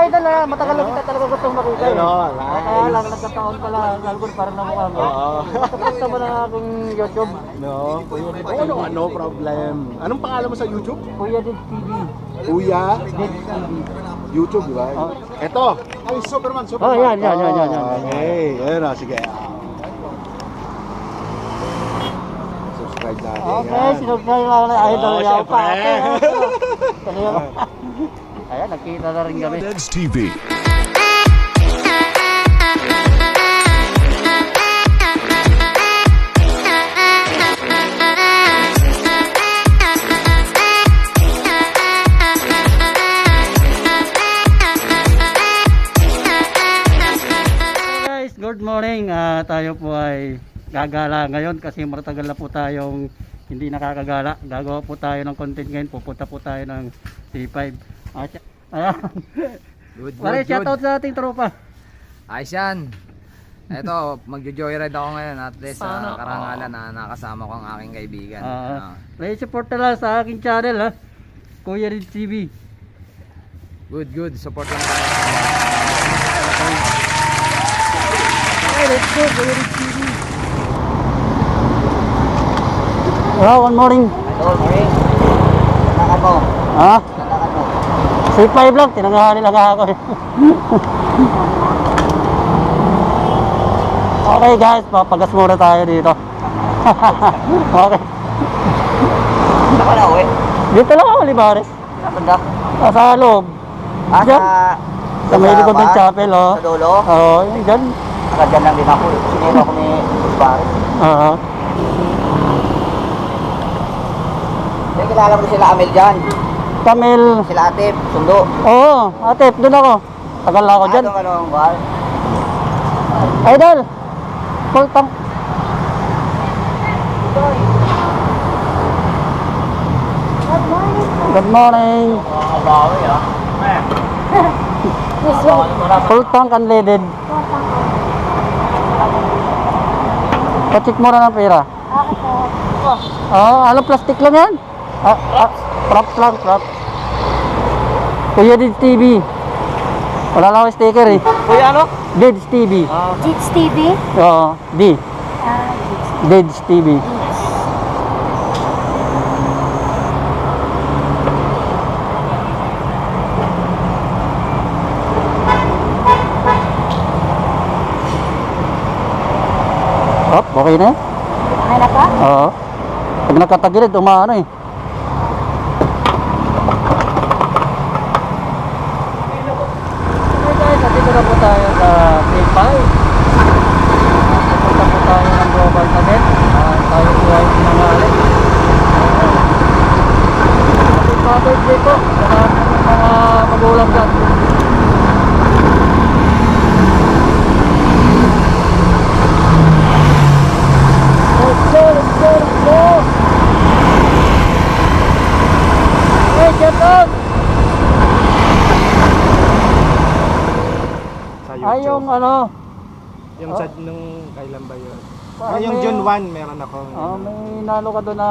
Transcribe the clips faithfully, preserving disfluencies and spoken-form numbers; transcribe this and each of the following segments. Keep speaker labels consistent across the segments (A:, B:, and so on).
A: idol ha, matagal na kita talaga gustong makita eh.
B: Ano,
A: Kaya lang, nagkataon pala, album parang namukha mo.
B: Oo.
A: Gusto mo na akong YouTube.
B: No, Kuya Did T V. Ano, no problem. Anong pangalan mo sa YouTube?
A: Kuya Did T V.
B: Kuya
A: Did T V.
B: YouTube, di ba?
A: Oh.
B: Ito. Ay, Superman, Superman.
A: Oh, yan, yan, yan, yan, yan.
B: Okay, ayun na, sige. Subscribe natin.
A: Okay,
B: yan.
A: sinubscribe na ako ng idol.
B: Oh,
A: Yaw pa.
B: syempre.
A: Ayan, nakita na rin kami.
C: Deds T V.
A: Good morning, uh, tayo po ay gagala ngayon kasi matagal na po tayong hindi nakakagala. Gagawa po tayo ng content ngayon, pupunta po tayo ng C five. Ah, ayan.
D: Good,
A: Pare,
D: good,
A: shoutout
D: good.
A: sa ating tropa.
D: Ayos yan. Eto, magjo-joyride ako ngayon at least sa
A: Sana.
D: karangalan na nakasama ko ang aking kaibigan.
A: Ah,
D: Ah.
A: Play support na lang sa aking channel ha. Kuya Did T V.
D: Good, good. Support lang tayo.
A: Okay, let's go, Kuya Did T V. Hello, good morning.
E: Hello, morning. Nanakan mo.
A: Ha?
E: Nanakan mo.
A: C five lang, tinangahan lang ako eh. Okay guys, papagas muna tayo dito. Okay.
E: Saan ka na uwi?
A: Dito lang ako, Libares.
E: Saan banda?
A: Ah, sa loob.
E: Ah,
A: Diyan.
E: sa...
A: Sa may likod ng
E: bar?
A: chapel, oh.
E: Sa dulo?
A: Oo, yun dyan.
E: Agad dyan lang din ako. Sinero ako ni Baris.
A: Oo.
E: May kilala mo sila Amel dyan.
A: Kamil.
E: Sila Atip, Sundo.
A: Oo, ate, doon ako. Tagal na ako dyan.
E: Ano anong bar?
A: Idol! Full tank. Good morning. Full tank unleaded. Pa-check mo na ng pera. Ah, ano plastic lang yan? Ah, ah, prop lang, prop. Kuya Did T V. Wala lang ako sticker eh.
E: Kuya ano?
A: Did T V.
F: Dits T V?
A: Oo, D.
F: Ah,
A: Did T V. Op, okay na.
F: okay na ka?
A: Oo. Pag nakatagilid, umaano eh. Okay guys, nandito na po tayo sa P five. Pupunta po tayo ng Global Cadet. Uh, tayo po ay pinangalit. Happy Father's Day po sa lahat ng mga magulang dyan. Let's go, let's go, let's go! Hey, get out!
B: Sa
A: Ay, yung ano,
B: Yung sa nung kailan ba yun?
A: Parang
B: Ah, yung
A: may-
B: June first, meron ako.
A: ah, may nalo ka doon na...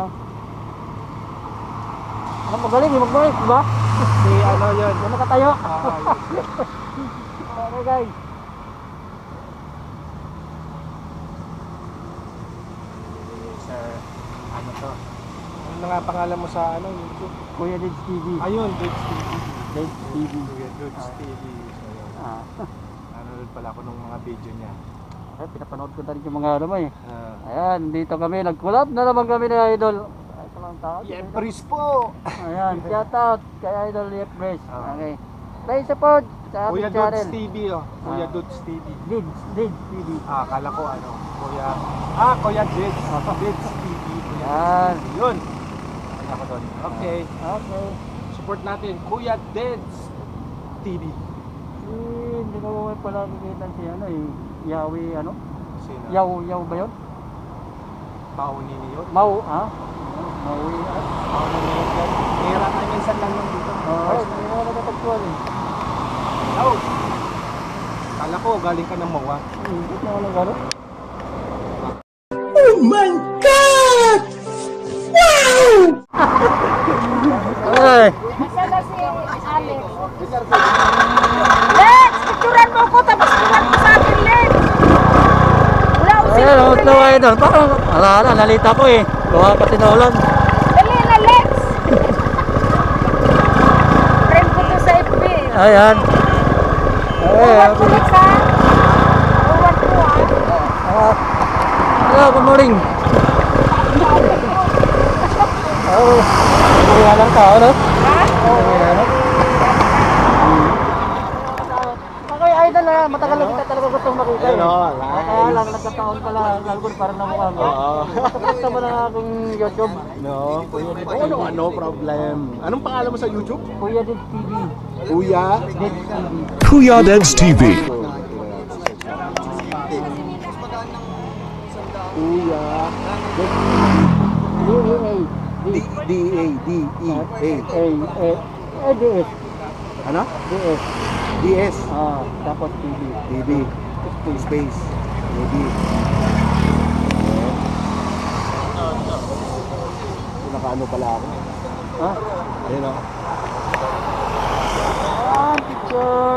A: Ano, magaling, mag-break, di ba?
B: Si ano yun?
A: Yung nakatayo.
B: Ah,
A: Okay guys.
B: sir, ano to? Ano nga pangalan mo sa ano? YouTube?
A: Kuya Did T V.
B: Ayun, Dudes T V.
A: Did T V.
B: Kuya Dudes T V. So, yun.
A: Ah.
B: Nanonood pala ako ng mga video niya.
A: Ay, pinapanood ko na rin yung mga ano mo eh.
B: Ah.
A: Ayan, dito kami. Nag-collab na naman kami ni Idol. Ay, ito lang tao.
B: Yeah, Pris po!
A: Ayan, shout out kay Idol Lief Brace.
B: Ah.
A: Okay. Play support sa
B: Kuya
A: ating channel.
B: Dudes T V, oh. Kuya
A: Ah.
B: Dudes T V.
A: Did, Did T V.
B: Ah, akala ko ano, Kuya... Ah, Kuya Dids. Dids T V. Kuya
A: Yan.
B: Dids T V. Yun. Ano ako doon. Okay.
A: Okay.
B: Support natin. Kuya Dids T V.
A: Eh, hindi ko may pala nakikita si ano eh. Yawi ano?
B: Sino?
A: Yaw, yaw ba yun?
B: Pauni niyo.
A: Mau, ha? Maui. ah.
B: Pauni niyo. Kira tayo minsan lang lang dito.
A: Oo, hindi mo nakatagpuan eh.
B: Oh! Kala ko galing ka ng Mawa.
A: Hindi na ako nang gano'n. Oh my God! Wow! Wow! Ay!
F: Asa na si Alex? mo ako tapos kulang mo sa akin, Len. Wala akong
A: Ayan,
F: silbi,
A: oh, ito
F: Len.
A: ay doon. Parang, ala, ala, nalita ko eh. Gawa kasi na ulan.
F: Dali na, Lex. Friend ko to sa F B.
A: Ayan.
F: Uwan
A: Ayan.
F: ko, Lex, ha? Uwan ko, ha?
A: Ah, hello, good morning. Oh, wala lang tao, no?
F: Ha?
A: Wala lang. Okay, idol na. Matagal na kita talaga gustong makita.
B: Ayun,
A: eh.
B: oh,
A: Kaya lang, nagkataon pala. Nalgol parang namukha mo.
B: Oo.
A: Basta mo na akong YouTube.
B: No? Oo, no, no problem. Anong pangalan mo sa YouTube?
A: Kuya Did T V.
B: Kuya?
A: Did T V.
C: Kuya Deds T V.
B: Kuya.
A: D E A.
B: D D A D E A.
A: A. A. A. D S.
B: Ano?
A: D S.
B: D S.
A: Ah, tapos T V.
B: D B. Space. D B. Nakaano pala ako.
A: Ha?
B: Ayun o.
A: Ah, picture.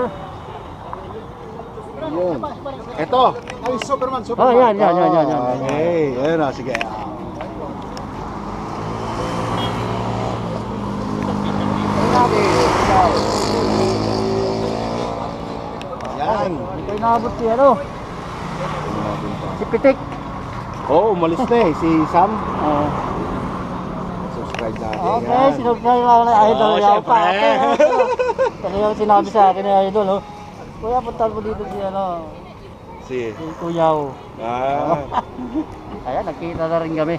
B: Yun. Ito. Ay, Superman.
A: Oh,
B: Superman.
A: yan, yan, yan, yan, yan.
B: Okay. Ayun o. Sige. Yan.
A: Ito yung nakabot si ano? Si Pitik.
B: Oo, oh, umalis na eh. Si Sam.
A: Ah.
B: Subscribe natin.
A: Okay,
B: Yan.
A: sinubscribe ako ng idol.
B: Oo,
A: Yan
B: syempre.
A: pa. Okay, okay. Kasi yung sinabi sa akin ng idol, oh. Kuya, puntal mo dito si ano,
B: Si.
A: si Kuyaw.
B: Ah.
A: Ayan, nakita na rin kami.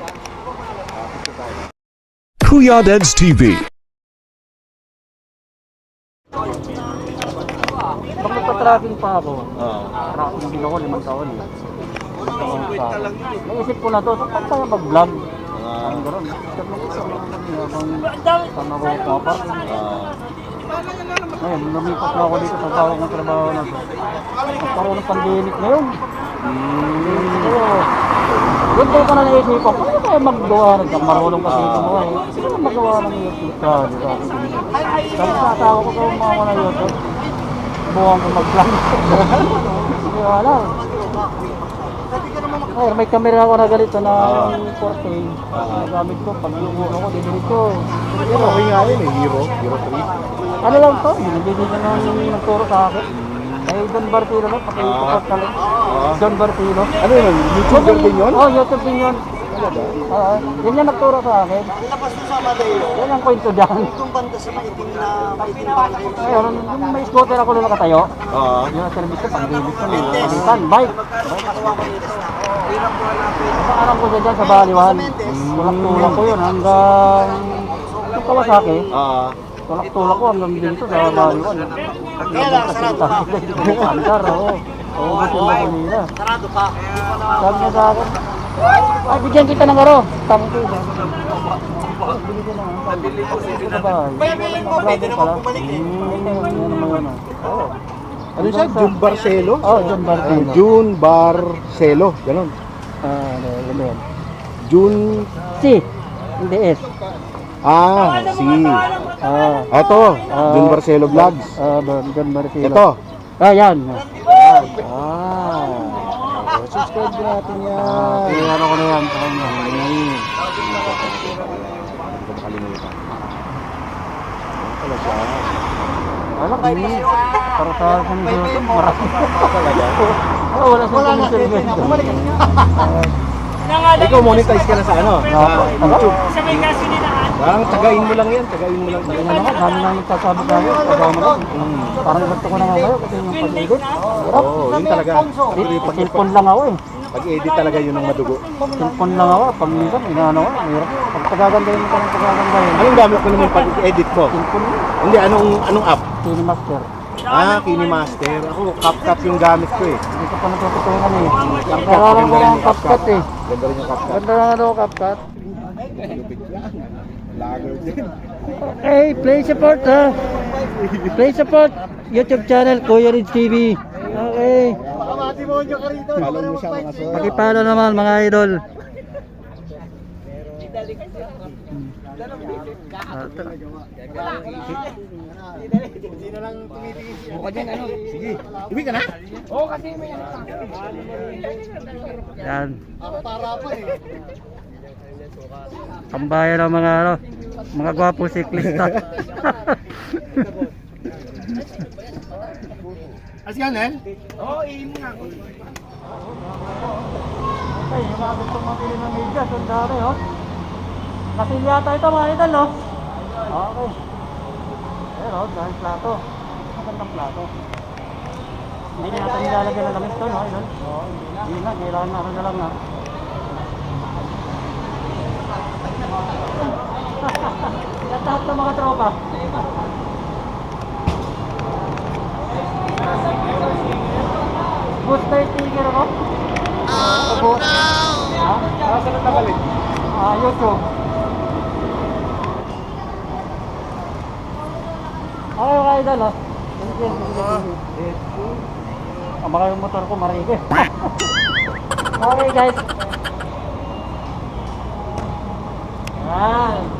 C: Kuya Deds T V.
A: Pag nagpa-tracking pa ako,
B: Oo.
A: tracking din ako limang taon eh. Limang taon pa. Naisip ko na to, saan tayo mag-vlog?
B: Ah.
A: Ang gano'n. Habang saan ako pumaparking.
B: Ah.
A: Ngayon, lumipat na ako dito sa tawag ng trabaho na to. Nagkaroon ng pandemic ngayon. So, doon ko na naisip ko, paano kaya maggawa ng marunong kasi ito mo eh. Paano magawa ng YouTube ka, di ba? Sabi sa asawa ko kung mga na YouTube, buwang ko mag-vlog. Hindi wala. Ay, may camera ako na ganito na yung four K. Nagamit ko, pag yung ulo ko, didinig ko.
B: Yan, okay nga yun eh. Hero. Hero three.
A: Ano lang to, binibigyan na nang nagturo sa akin. Ay, Don Bartilo lang, pakipapot ka lang. Don Bartilo.
B: Ano yun? YouTuber din yun?
A: Oo, oh, YouTube din yun. Oo, yun yung nagturo sa akin. Yan ang kwento dyan. Ayun, yung may scooter ako na nakatayo.
B: Oo.
A: Yun ang service ko, pang-debit ko. Palitan, bike. Paalam ko siya dyan sa Baliwan. Tulak-tulak ko yun hanggang yung Kawasaki.
B: Oo.
A: Tulak-tulak ko hanggang dito sa Baliwan. Kaya lang, sarado ka. Andar, oo. Oo, gusto mo ko nila. Sarado ka. Sabi niya sa akin, ay, bigyan kita ng aro. Tama ko yun. Binigyan na. Nabili ko sa bahay. Pwede mo, pwede naman bumalik eh. Yan naman yun. Oo.
B: Ano siya? June Barcelo?
A: Oo, oh, John Bartino.
B: June Barcelo. Ganon.
A: Ah, ano, ano yan?
B: June...
A: Si, hindi S.
B: Ah, si...
A: Ah,
B: Ito.
A: Ah.
B: June Barcelo Vlogs.
A: ah, John Bartino.
B: Ito.
A: Ah, yan.
B: Ah. Subscribe natin yan.
A: Ah, kaya ano ko na yan sa kanya.
B: Hindi ko makalimutan. Ano siya?
A: Alam ko, para sa akin sa YouTube, marami.
B: Talaga?
A: Oo, wala sa commission.
B: Ikaw monetize ka na sa ano? Sa YouTube.
F: Sa may gasolinahan.
B: Parang tagain mo lang yan. Tagain mo lang.
A: Ano naman, dami nang nagsasabi sa akin, pagawa mo lang. Parang gusto ko na nga kayo kasi yung pag-edit.
B: Oo, yun talaga.
A: Pag cellphone lang ako eh.
B: Pag-edit talaga yun ang madugo.
A: Cellphone lang ako, pag minsan, inaano ko, mahirap. Pag pagagandahin mo ka ng pagagandahin.
B: Anong gamit mo naman pag-edit mo?
A: Cellphone lang,
B: Hindi, anong anong app?
A: Cinemaster.
B: Ah, KineMaster. Ako, CapCut yung gamit ko eh.
A: Hindi ko pa natututunan eh.
B: CapCut,
A: Naralan ko
B: ganda rin
A: ang
B: yung
A: CapCut eh.
B: Ganda rin yung CapCut.
A: Ganda na ano, CapCut.
B: Lager din.
A: Okay, play support ha. Play support. YouTube channel, Kuya Rids T V. Okay.
B: Follow mo siya mga sir.
A: Pakipalo naman mga idol. Ah, ito.
B: Buka dyan, ano? Sige. Uwi ka na? Oo, kasi may ano pa.
A: Yan. Kambayan ng mga ano, mga gwapo siklista.
B: As ka, Nel? Oo, iin mo nga ako.
A: Ay, yung mga gusto mabili ng medyas, ang dami, oh. Kasi yata ito, mga idol, oh. Okay. Ayan, oh, dahil plato. Magandang plato. Hindi na natin nilalagyan ng lamis to, no, idol? Oo, hindi na. Kailangan na, ano na lang, na. Yan lahat ng mga tropa. Booster sticker ako?
B: Oh, no!
A: Ha?
B: Ah, saan na balik?
A: Ah, YouTube. Okay, okay, idol, oh. Sige, sige, sige. Ah, baka yung motor ko marige. Okay, guys. Yan.